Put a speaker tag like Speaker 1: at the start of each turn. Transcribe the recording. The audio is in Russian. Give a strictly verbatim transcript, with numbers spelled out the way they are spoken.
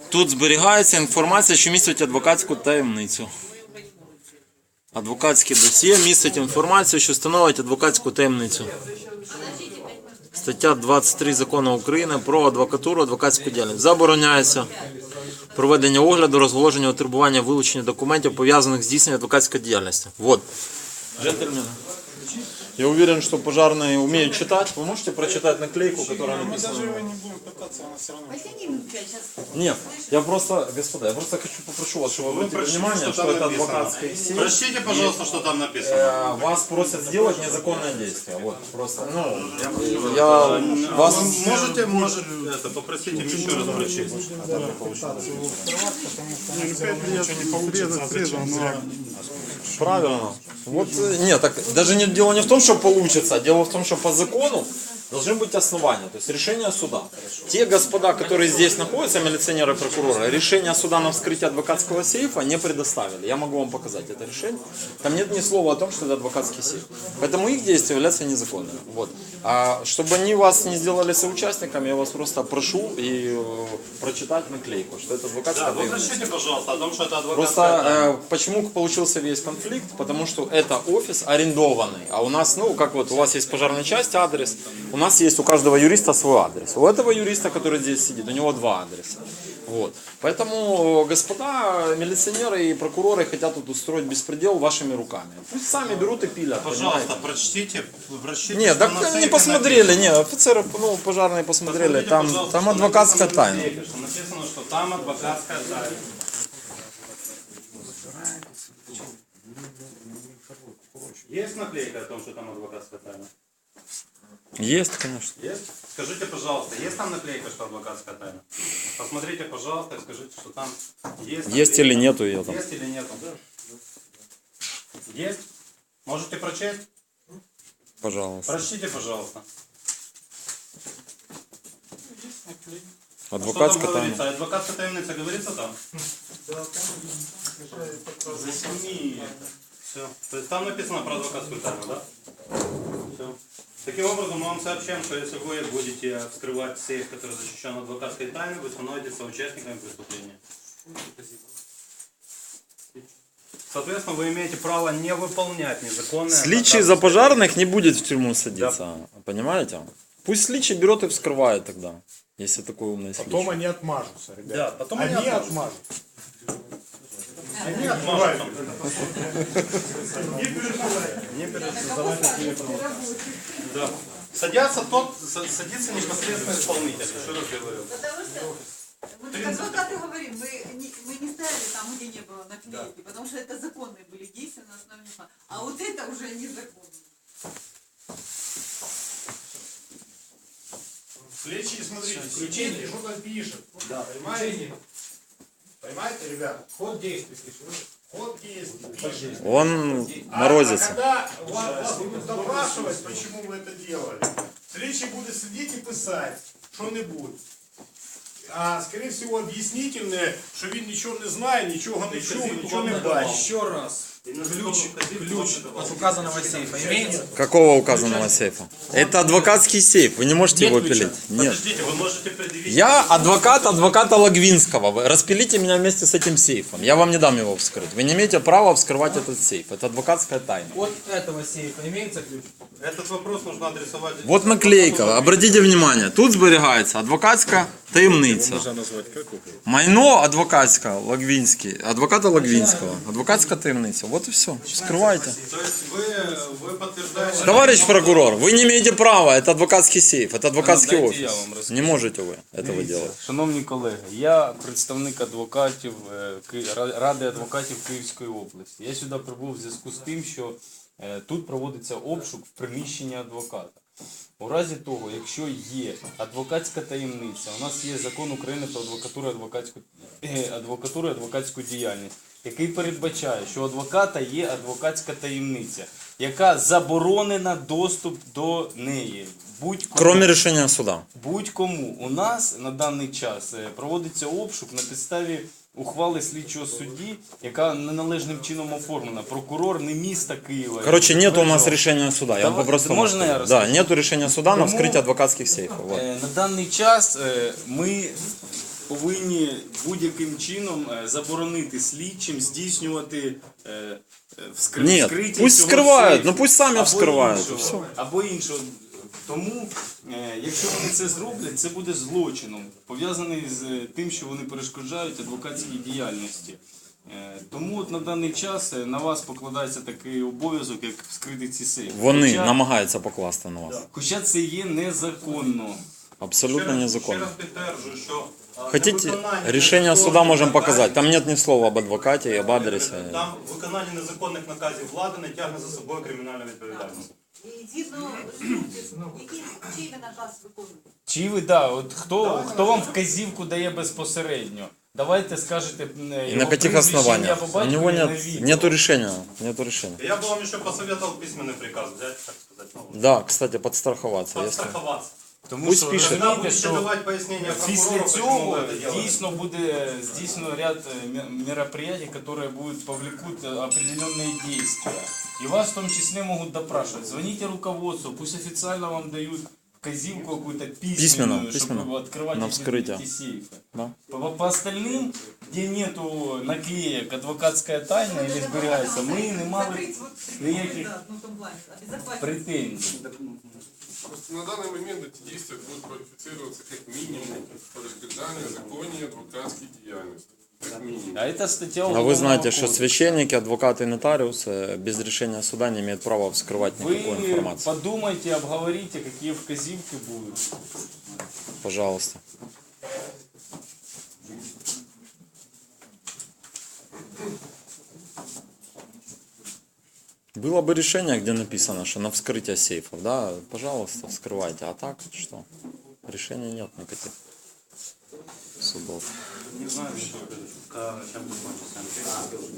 Speaker 1: Тут зберігається інформація, що містить адвокатську таємницю. Адвокатське досьє містить інформацію, що становить адвокатську таємницю. Стаття двадцять три Закону України про адвокатуру, адвокатську діяльність. Забороняється проведення огляду, розголошення, отримування, вилучення документів, пов'язаних з здійсненням адвокатської діяльності. Вот. Джентльмены. Я уверен, что пожарные умеют читать. Вы можете прочитать наклейку, которая написана?
Speaker 2: Мы даже его не будем пытаться, она все равно.
Speaker 1: Нет, я просто, господа, я просто хочу попрошу вас, чтобы вы обратили внимание, что это адвокатская сеть.
Speaker 3: Прочтите, пожалуйста, что там написано.
Speaker 1: Э, Вас просят сделать незаконное действие. Вот, просто, ну, я вас...
Speaker 3: Можете, может, это, попросите еще раз прочесть.
Speaker 2: Ничего не получится.
Speaker 1: Правильно. Вот, э, нет, так даже не, дело не в том, что получится, а дело в том, что по закону должны быть основания, то есть решение суда. Те господа, которые здесь находятся, милиционеры, прокуроры, решение суда на вскрытие адвокатского сейфа не предоставили. Я могу вам показать это решение. Там нет ни слова о том, что это адвокатский сейф. Поэтому их действия являются незаконными. Вот. А чтобы они вас не сделали соучастниками, я вас просто прошу и э, прочитать наклейку, что это адвокатская
Speaker 3: Да, вы
Speaker 1: таємниця.
Speaker 3: прочтите, пожалуйста, о том, что это адвокатская
Speaker 1: Просто
Speaker 3: тайна.
Speaker 1: э, почему получился весь конфликт? Потому что это офис арендованный, а у нас, ну, как вот у вас есть пожарная часть, адрес, у нас есть у каждого юриста свой адрес. У этого юриста, который здесь сидит, у него два адреса. Вот. Поэтому господа милиционеры и прокуроры хотят тут устроить беспредел вашими руками. Пусть сами берут и пилят.
Speaker 3: Пожалуйста,
Speaker 1: понимаете?
Speaker 3: прочтите, прочтите.
Speaker 1: Нет,
Speaker 3: что
Speaker 1: так
Speaker 3: на
Speaker 1: не
Speaker 3: сейфе
Speaker 1: посмотрели,
Speaker 3: написано.
Speaker 1: не, офицеры, ну, пожарные посмотрели,
Speaker 3: Посмотрите,
Speaker 1: там,
Speaker 3: пожалуйста,
Speaker 1: там
Speaker 3: что
Speaker 1: адвокатская
Speaker 3: написано на
Speaker 1: тайна.
Speaker 3: сейфе, что написано, что там адвокатская тайна. Есть наклейка о том, что там адвокатская тайна?
Speaker 1: Есть, конечно.
Speaker 3: Есть? Скажите, пожалуйста, есть там наклейка, что адвокатская тайна? Посмотрите, пожалуйста, и скажите, что там есть.
Speaker 1: Есть
Speaker 3: наклейка.
Speaker 1: или нету ее там.
Speaker 3: Есть или нету? Есть? Можете прочесть?
Speaker 1: Пожалуйста.
Speaker 3: Прочтите, пожалуйста.
Speaker 1: Адвокатская
Speaker 3: Что там
Speaker 1: тайна.
Speaker 3: говорится? Адвокатская таємниця говорится там? Засними. Все. То есть там написано про адвокатскую тайну, да? Все. Таким образом, мы вам сообщаем, что если вы будете вскрывать сейф, который защищен адвокатской тайной, вы становитесь соучастниками преступления. Соответственно, вы имеете право не выполнять незаконные...
Speaker 1: Сличий за пожарных не будет в тюрьму садиться, понимаете? Пусть сличий берет и вскрывает тогда, если такой умный сличий.
Speaker 2: Потом они отмажутся, ребята.
Speaker 3: Да, потом
Speaker 2: они
Speaker 3: они
Speaker 2: отмажутся.
Speaker 3: Они отмажутся.
Speaker 2: Не переживайте.
Speaker 3: Да. Садятся тот, са- садится непосредственно исполнитель. Еще раз говорю.
Speaker 4: Потому что мы как адвокаты говорим, мы не, мы не ставили там, где не было наклейки, потому что это законные были действия на основе закона. А вот это уже незаконно.
Speaker 2: Сличие, смотрите, включение, что там пишет. Да, понимаете? Понимаете, ребята? Ход действий. Ход действий.
Speaker 1: Он
Speaker 2: А,
Speaker 1: морозится.
Speaker 2: а когда вас, вас будут допрашивать, почему вы это делали, слідчий буде сидіти і писати, що-небудь. А, скорее всего, об'яснительне, що він нічого не знає, нічого не чув, нічого не бачить.
Speaker 5: Еще раз. Ключ, ключ от указанного сейфа имеется?
Speaker 1: Какого указанного сейфа? Это адвокатский сейф, вы не можете
Speaker 5: Нет
Speaker 1: его
Speaker 5: ключа?
Speaker 1: пилить. Нет.
Speaker 3: Подождите, вы можете предъявить...
Speaker 1: Я адвокат адвоката Логвинского. Вы распилите меня вместе с этим сейфом. Я вам не дам его вскрыть. Вы не имеете права вскрывать этот сейф. Это адвокатская тайна.
Speaker 5: От этого сейфа имеется ключ?
Speaker 3: Этот вопрос нужно адресовать...
Speaker 1: Вот наклейка. Обратите внимание. Тут зберігається адвокатська таємниця. Майно адвокатська Логвинський. Адвоката Логвинского. Адвокатська таємниця. Вот и все. Вскрывайте.
Speaker 3: То есть вы, вы подтверждаете...
Speaker 1: Товарищ прокурор, вы не имеете права. Это адвокатский сейф. Это адвокатский
Speaker 5: Дайте
Speaker 1: офис.
Speaker 5: я вам розкажу.
Speaker 1: Не можете вы этого делать.
Speaker 5: Шановні колеги, я представник адвокатів е, Ки- Ра- Ради адвокатів Київської області. Я сюди прибув в зв'язку з тим, що е, тут проводиться обшук в приміщенні адвоката. У разі того, якщо є адвокатська таємниця, у нас є закон України про адвокатуру і адвокатську, е, адвокатуру і адвокатську діяльність, який передбачає, що у адвоката є адвокатська таємниця, яка заборонена доступ до неї. Будь-кому.
Speaker 1: Кроме решения суда.
Speaker 5: Будь-кому. У нас на даний час е, проводиться обшук на підставі ухвали слідчого судді, яка неналежним чином оформлена. Прокурор не міста Києва.
Speaker 1: Короче, нет у нас
Speaker 5: Вирішував.
Speaker 1: решения суда. Я
Speaker 5: Да
Speaker 1: вам
Speaker 5: вот
Speaker 1: по-простому
Speaker 5: можно я
Speaker 1: скажу. Да,
Speaker 5: расскажу?
Speaker 1: нету решения суда на
Speaker 5: Тому-
Speaker 1: вскрытие адвокатских сейфов. Вот.
Speaker 5: Е, На даний час е, ми повинні будь-яким чином е, заборонити слідчим здійснювати е, е, вскри...
Speaker 1: Ні,
Speaker 5: вскриття
Speaker 1: пусть
Speaker 5: цього
Speaker 1: вскривають,
Speaker 5: сейфу
Speaker 1: ну пусть самі
Speaker 5: або
Speaker 1: вскривають,
Speaker 5: іншого,
Speaker 1: і все.
Speaker 5: Або іншого. Тому, е, якщо вони це зроблять, це буде злочином, пов'язаний з е, тим, що вони перешкоджають адвокатській діяльності. Е, Тому от на даний час е, на вас покладається такий обов'язок, як вскрити ці сейфи.
Speaker 1: Вони
Speaker 5: Хоча,
Speaker 1: намагаються покласти на вас.
Speaker 5: хоча це є незаконно.
Speaker 1: Абсолютно
Speaker 3: Ще
Speaker 1: незаконно.
Speaker 3: раз підтверджую, що а,
Speaker 1: Хотите,
Speaker 3: невиконання
Speaker 1: решение
Speaker 3: незаконних
Speaker 1: суда можем
Speaker 3: наказів-
Speaker 1: показать. Там нет ни слова об адвокате и об адресе.
Speaker 3: Там виконання незаконних наказів влади не тягне за собою кримінальну відповідальність.
Speaker 4: І згідно який чий ви наказ виконуєте?
Speaker 5: Чи ви, да, от хто, хто вам вказівку дає безпосередньо? Давайте скажете е,
Speaker 1: И
Speaker 5: його
Speaker 1: на каких
Speaker 5: прізвище, ім'я,
Speaker 1: основаниях?
Speaker 5: по
Speaker 1: У
Speaker 5: батькові
Speaker 1: него
Speaker 5: на
Speaker 1: нет,
Speaker 5: відео.
Speaker 1: нету решения. Нету решения.
Speaker 3: Я бы вам еще посоветовал письменный приказ взять, так сказать. Ну,
Speaker 1: Да, кстати, подстраховаться. Если...
Speaker 3: подстраховаться.
Speaker 5: Тому
Speaker 1: Пусть
Speaker 5: що
Speaker 1: пише.
Speaker 3: Когда
Speaker 5: розумієте,
Speaker 3: будете
Speaker 5: що
Speaker 3: давать пояснения
Speaker 5: після
Speaker 3: прокурору, почему
Speaker 5: цього
Speaker 3: вы это делаете.
Speaker 5: дійсно буде здійснено ряд е, ме- мероприятий, которые будут повлекут э, определенные действия. И вас в том числе могут допрашивать. Звоните руководству, пусть официально вам дают вказівку какую-то письменную,
Speaker 1: Письменно,
Speaker 5: чтобы
Speaker 1: письменно.
Speaker 5: открывать
Speaker 1: На
Speaker 5: эти,
Speaker 1: вскрытие.
Speaker 5: эти сейфы.
Speaker 1: Да.
Speaker 5: По, по остальным, где нету наклеек адвокатская тайна или зберігається, ми не мали
Speaker 4: Закрыть вот
Speaker 5: ніяких
Speaker 4: да, ну, в том плане, обезопасить.
Speaker 5: претензій.
Speaker 6: Просто на данный момент эти действия будут квалифицироваться как минимум перешкоджание законе адвокатской деятельности. Как минимум.
Speaker 5: А это статья
Speaker 1: А вы
Speaker 5: Уголовного
Speaker 1: знаете, что
Speaker 5: кодекса.
Speaker 1: священники, адвокаты и нотариусы без решения суда не имеют права вскрывать никакую
Speaker 5: Вы
Speaker 1: информацию.
Speaker 5: подумайте, обговорите, какие вказівки будут.
Speaker 1: Пожалуйста. Было бы решение, где написано, что на вскрытие сейфов, да, пожалуйста, вскрывайте. А так что? Решения нет никаких судов.
Speaker 3: Не знаю, что это, чем закончится.